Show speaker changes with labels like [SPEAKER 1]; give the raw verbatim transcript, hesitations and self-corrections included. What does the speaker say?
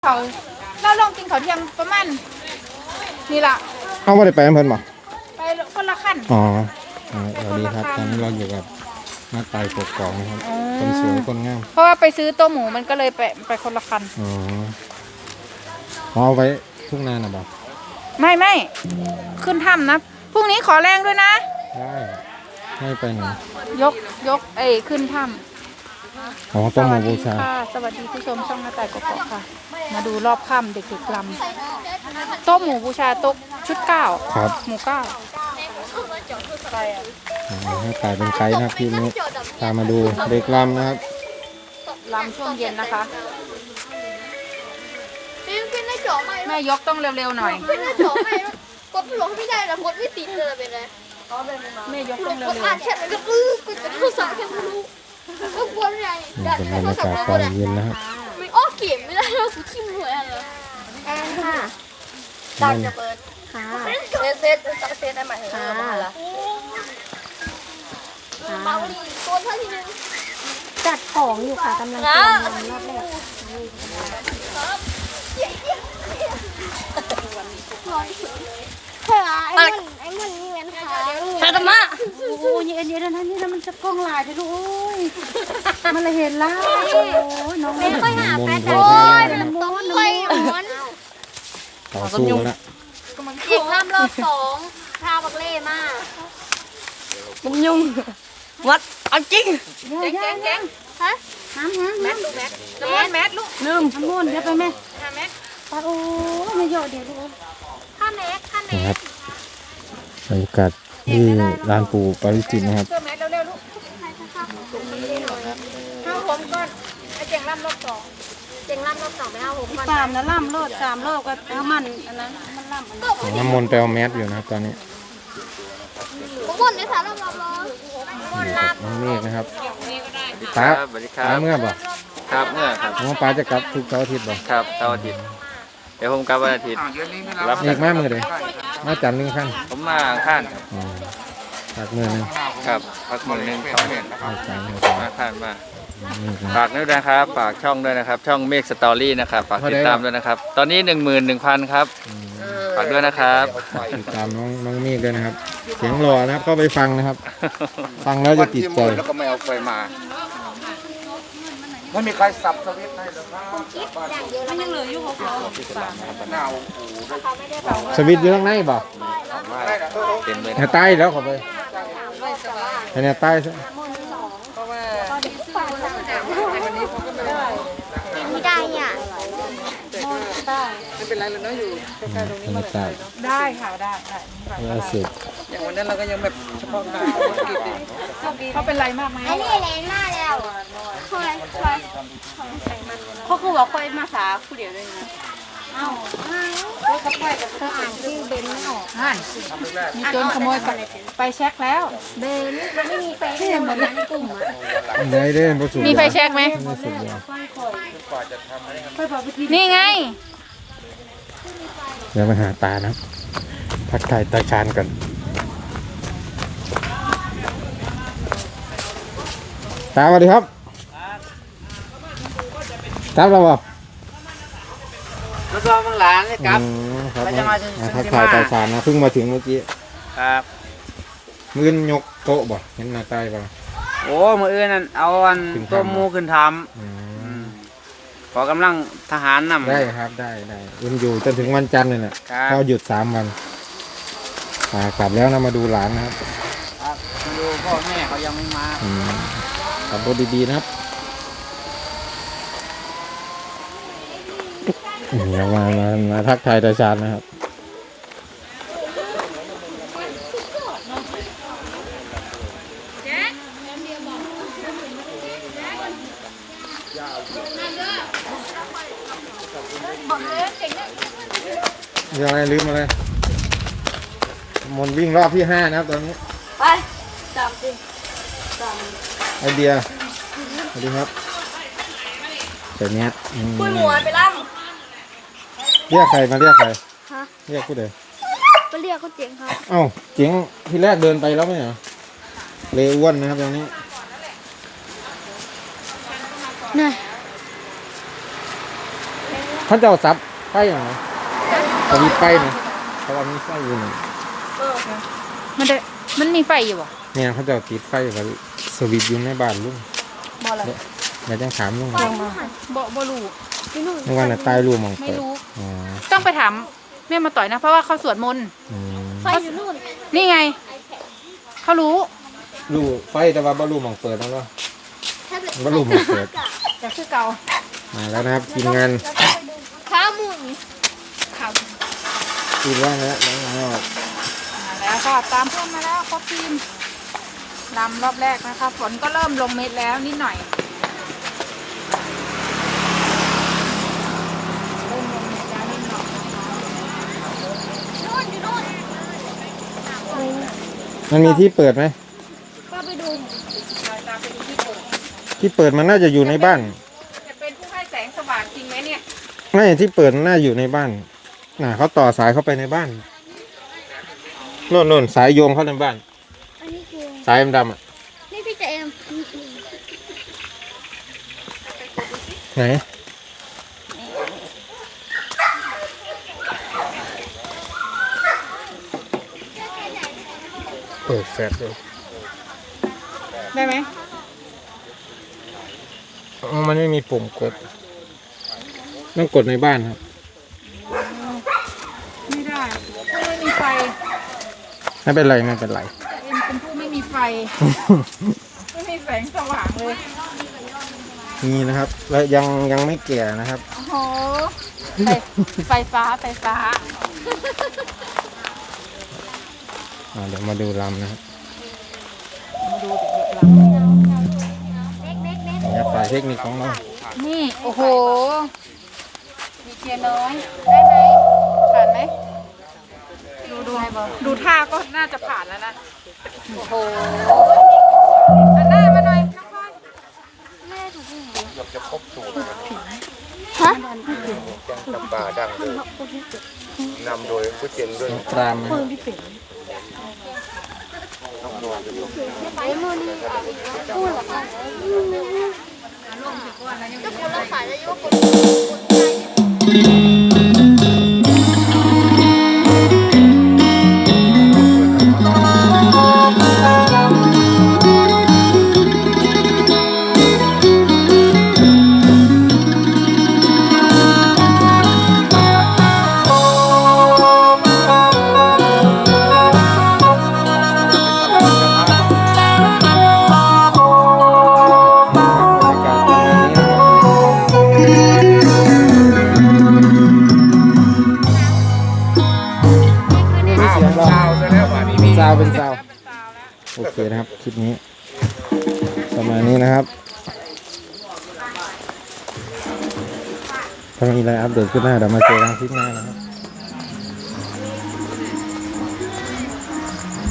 [SPEAKER 1] เขาเราลองกินเขาเที่ยงประมาณนี่ล่ะ
[SPEAKER 2] เอาไม่ได้ไปอำเภอหรอ
[SPEAKER 1] ไปคนละขั้น
[SPEAKER 2] อ๋อสวัสดีครับตอนนี้เราอยู่กับน้าไต่กกอกนะครับคนสวยคนงาม
[SPEAKER 1] เพราะว่าไปซื้อตัวหมูมันก็เลยไปไปคนละคัน
[SPEAKER 2] อ๋อเอาไว้ทุ่งนาหน่ะบ่
[SPEAKER 1] ไม่ไม่ขึ้นถ้ำนะพรุ่งนี้ขอแรงด้วยนะ
[SPEAKER 2] ได้ให้ไปหน่อย
[SPEAKER 1] ยกยกเอ้ขึ้นถ้ำ
[SPEAKER 2] อ๋อต้องมาบูชา
[SPEAKER 1] สวัสดีผู้ชมช่องน้าไต่กกอกค่ะมาดูรอบค่ำเด็กๆลำโต๊ะหมูบูชาโต๊ะชุดเก้า
[SPEAKER 2] ครับ
[SPEAKER 1] หมูเก้า
[SPEAKER 2] ให้ไต่เป็นไกด์นะครับพี่นุ๊กพามาดูเด็กลำนะครับ
[SPEAKER 1] ลำช่วงเย็นนะคะแม่ยกต้องเร็วๆหน่อย
[SPEAKER 3] กดหลงไม่ได้ละกดไม่ติดเลยเป็นไง
[SPEAKER 1] แม่ยกต้องเร็ว
[SPEAKER 3] ๆอ่านแชทมันก็ปื้อกดจะโทรศัพท์แค่ไม่รู้ก็กลัวไง
[SPEAKER 2] ดันเป็นบรรยากาศตอนเย็นนะครับ
[SPEAKER 3] ไม่อ้อเก็บไม่ได้เราสุดขี้มืออะไรแอนค่ะดันจะเปิดค่ะเซตเซตเซตได้ไหมค่ะเมาดีตัวเท่าทีนึง
[SPEAKER 4] จัดของอยู่ค่ะกำลังเตรียมรอบแรกเฮ้ยไอ้มันไอ้มันนี่แม่นค่ะ
[SPEAKER 3] ชาตมะ
[SPEAKER 4] โอ้ยเอ็นเอ็นนั่นนี่นะมันจะกล้องลายไปลูกโอ้ยมันเลยเห็นแล้วโอ้ยน้อง
[SPEAKER 3] ไม่ค่อยหาแฟนโอ้ยมันต้องค่อยหอน
[SPEAKER 2] ต่อสู้แล้ว
[SPEAKER 3] อีกรอบรอบสองทาบักเล่มาก
[SPEAKER 4] มันยุ่งวัดเอาจริง
[SPEAKER 1] เจ๊งเจ๊งเจ๊ง
[SPEAKER 3] ฮะ
[SPEAKER 4] ห้ามห้าม
[SPEAKER 1] แมทลูกแมทน้ำมันแมทลูก
[SPEAKER 4] ลืมทำมุ่นเดี๋ยวไปแม่
[SPEAKER 1] ห้าแมท
[SPEAKER 4] ปโอ้ยไม่เยอะเดี๋ยวลูก
[SPEAKER 3] ห้าเมตรห้าเมตร
[SPEAKER 2] บรรยากาศที่ลานปู่ปาริจิตนะครับ
[SPEAKER 1] เสื้อแมทเร็วๆลูกห้าผมก่อนไอ้เจ๋งล่ำรอบสอง
[SPEAKER 3] เจ๋งล่ำรอบสองไปห้าผมก่อน
[SPEAKER 4] สามนะล่ำโลดสามโลดก็เอามันอันนั้นมันล่ำ
[SPEAKER 2] น้ำมนต์ไปเอาแมสอยู่นะครับตอนนี้
[SPEAKER 3] ผมบนในสารรอบรอบ
[SPEAKER 2] น้องเมฆนะครับป้าป้าเมื่อบ่
[SPEAKER 5] ครับเมื่อครับ
[SPEAKER 2] น้องป้าจะกลับทุกเสาร์อาทิตย์บ่
[SPEAKER 5] ครับเสาร์อาทิตย์เดี๋ยวผมกลับวันอาทิตย์
[SPEAKER 2] รับเอกมาเมื่อเลยมาจันทร์หนึ่งขั้น
[SPEAKER 5] ผมมาข้าน
[SPEAKER 2] พักเมื่อนึง
[SPEAKER 5] ครับพักมือหนึ่งสองเดือนมาข้านมาฝากด้วยนะครับฝากช่องด้วยนะครับช่องเมฆสตอรี่นะครับฝากติดตามด้วยนะครับตอนนี้หนึ่งหมื่นหนึ่งพันครับฝากด้วยนะครับ
[SPEAKER 2] ติดตามน้องน้องเมฆด้วยนะครับเสียงหล่อนะครับก็ไปฟังนะครับฟังแล้วจะติดใจ
[SPEAKER 5] แล้วก็ไม่เอาไฟมาไม่มีใครสับสวิตช์ให้เลยครับ
[SPEAKER 4] มันยังเหลืออยู่เขา
[SPEAKER 2] สวิตช์อยู่ข้างในบ่
[SPEAKER 5] เต็มเลย
[SPEAKER 2] เนี่ยใต้แล้วขอไปเนี่ยใต้ซะ
[SPEAKER 3] ไม่ได้อ่ะ
[SPEAKER 1] ไม่เป็นไรเลยเนาะอยู่ใกล้ๆตรงนี้มา
[SPEAKER 2] เลย
[SPEAKER 1] ได้ค่ะได้ได้
[SPEAKER 2] ล่าสุด
[SPEAKER 1] อย่างวันนั้นเราก็ยังแบบเฉพาะการเขาเป็นไรมากไหม
[SPEAKER 3] อันนี้แรงมากแล้วคอยคอย
[SPEAKER 4] เขาคือว่าคอยมาสาผู้เดียวเลยนะเอ้าแล้วก็ค่อยกับเธออ่านชื่อเบนไม่ออก
[SPEAKER 1] อ่านมีโจรขโมยไปเช็คแล้ว
[SPEAKER 4] เบนมันไม่มีไฟที่เหมือนในกลุ่มอ่ะ
[SPEAKER 2] ได้เด้
[SPEAKER 1] มีไฟเช็คไหมนี่ไง
[SPEAKER 2] เดี๋ยวไปหาตานะทักทายตาชานก่อนตาสวัสดีครับครับเราบอก
[SPEAKER 5] มาซ้อมมังหลานเลยครับ
[SPEAKER 2] เราจะมาทักทายตาชานนะเพิ่งมาถึงเมื่อกี้
[SPEAKER 5] ครับ
[SPEAKER 2] มือนยกโต๊ะบ่เห็นหน้าใต้ป่ะ
[SPEAKER 5] โอ้มืออื่นนั่นเอาอันตัวมูขึ้นทำขอกำลังทหารนำ
[SPEAKER 2] ได้ครับได้ได้อื่นอยู่จนถึงวันจันทร์เลยแหละก็หยุดสามวันกลับแล้วนะมาดูหลานนะครับ
[SPEAKER 5] มาดูพ่อแม่เขายังไม่มา
[SPEAKER 2] ขับรถดีๆนะครับเดี๋ยวมามามาทักทายตาชาญนะครับยังไงลืมอะไรมนวิ่งรอบที่ห้านะครับตอนนี้
[SPEAKER 3] ไปจำสิจ
[SPEAKER 2] ำไอเดียสวัสดีครับใส่เนี้ย
[SPEAKER 3] คุยหมวนไปล่
[SPEAKER 2] ำเรียกใครมาเรียกใครเรียกผู้ใด
[SPEAKER 3] ก็เรียกเขาเจ๋งครับ
[SPEAKER 2] เอ้าเจ๋งที่แรกเดินไปแล้วไม่เหรอเลอ้วนนะครับตรงนี้
[SPEAKER 3] นี่
[SPEAKER 2] เขาจะเอาซับไฟอย่างไรเขามีไฟนะเขาว่ามีไฟอยู่นี่
[SPEAKER 1] มันได้มันมีไฟอยู่บ่
[SPEAKER 2] เนี่ยเขาจะเอาติดไฟกับสวิตช์อยู่ในบ้านลุง
[SPEAKER 1] บ่อะไร
[SPEAKER 2] เดี๋ยวจะถามลุง
[SPEAKER 1] ลองมาบ่บ่รู้
[SPEAKER 2] เมื่อวานน่ะใต้รูมอง
[SPEAKER 1] ไม่
[SPEAKER 2] เปิด
[SPEAKER 1] รู้
[SPEAKER 2] อ๋อ
[SPEAKER 1] ต้องไปถามแม่มาต่อยนะ เพราะว่าเขาสวดมนต์
[SPEAKER 2] อืม
[SPEAKER 3] ไฟอยู่นู่น
[SPEAKER 1] นี่ไง เขารู้
[SPEAKER 2] รูไฟแต่ว่าบ่รูมองเปิดแล้วเนาะ
[SPEAKER 3] แท็บเล็ต
[SPEAKER 2] บ่รูมองเปิด
[SPEAKER 1] แต่คือเก่า
[SPEAKER 2] มาแล้วนะครับทีมงาน
[SPEAKER 3] ข้ามุน
[SPEAKER 1] ข่าว
[SPEAKER 2] ทีมว่าแล้วน้องนอก
[SPEAKER 1] มาแล้วก็ตามเพื่อนมาแล้วครบทีมลำรอบแรกนะคะ ฝนก็เริ่มลงเม็ดแล้วนิดหน่อยเริ่มลงเม็ดแล้วนิดหน่อยนะคะ
[SPEAKER 3] นู่นอยู่นู่น
[SPEAKER 2] มันมีที่เปิดไหม
[SPEAKER 3] ก็ไปดู
[SPEAKER 1] เราตามไปดูที่เปิด
[SPEAKER 2] ที่เปิดมันน่าจะอยู่ในบ้าน
[SPEAKER 1] จะเป็นผู้ให้แสงสว่างจริงไหมเนี่ย
[SPEAKER 2] ไม่ที่เปิดน่าอยู่ในบ้านน่ะเขาต่อสายเข้าไปในบ้านโน่นโน่นสายโยงเข้าในบ้าน
[SPEAKER 3] อันนี้คือ
[SPEAKER 2] สายดำๆอ่ะ
[SPEAKER 3] นี่พี่เจม
[SPEAKER 2] ไหนเปิดแฟลชเลย
[SPEAKER 1] ได้ไหม
[SPEAKER 2] อ๋อมันไม่มีปุ่มกดต้องกดในบ้านครับ
[SPEAKER 1] ไม่ได้ผู้ไม่มีไฟ
[SPEAKER 2] ไม่เป็นไรไม่เป็นไร
[SPEAKER 1] เอ็มเป็นผู้ไม่มีไฟ ไม่มีแสงสว่างเลย
[SPEAKER 2] นี่นะครับ แล้วยังยังไม่แก่นะครับ
[SPEAKER 1] โอ้โหไฟไฟฟ้าไฟฟ้า
[SPEAKER 2] อ่าเดี๋ยวมาดูลำนะครับ
[SPEAKER 1] มาดูเด็กๆล
[SPEAKER 3] เล็กเล็กเล็ก
[SPEAKER 2] เนี่ยฝ่ายเทคนิคของเรา
[SPEAKER 1] ำนี่ โอ้โห มีเทียน้อย
[SPEAKER 3] ได้ไหม
[SPEAKER 1] ผ่านไหม ดูดูดูท่าก็น่าจะผ่านแล้วนะ โอ้โหอันหน้ามาหน่อยน้องพลอย
[SPEAKER 3] ไม่ได้ถูกที่ไหน
[SPEAKER 6] จำปาดังเลยนำโดยผู้เจนด้วย
[SPEAKER 2] น้องปรามนะครับ
[SPEAKER 3] ไปมือนี่พูดหรอคะก็คนละสายเลยว่าคนคนไทยเนี่ย
[SPEAKER 2] เสียงเรา
[SPEAKER 6] เช้าซะแล้ววันนี้
[SPEAKER 2] ซาวเป็นซาวโอเคนะครับ คลิปนี้ประมาณนี้นะครับ ถ้ามีอะไรอัปเดตขึ้นหน้าเดี๋ยวมาเจอกันคลิปหน้านะครับ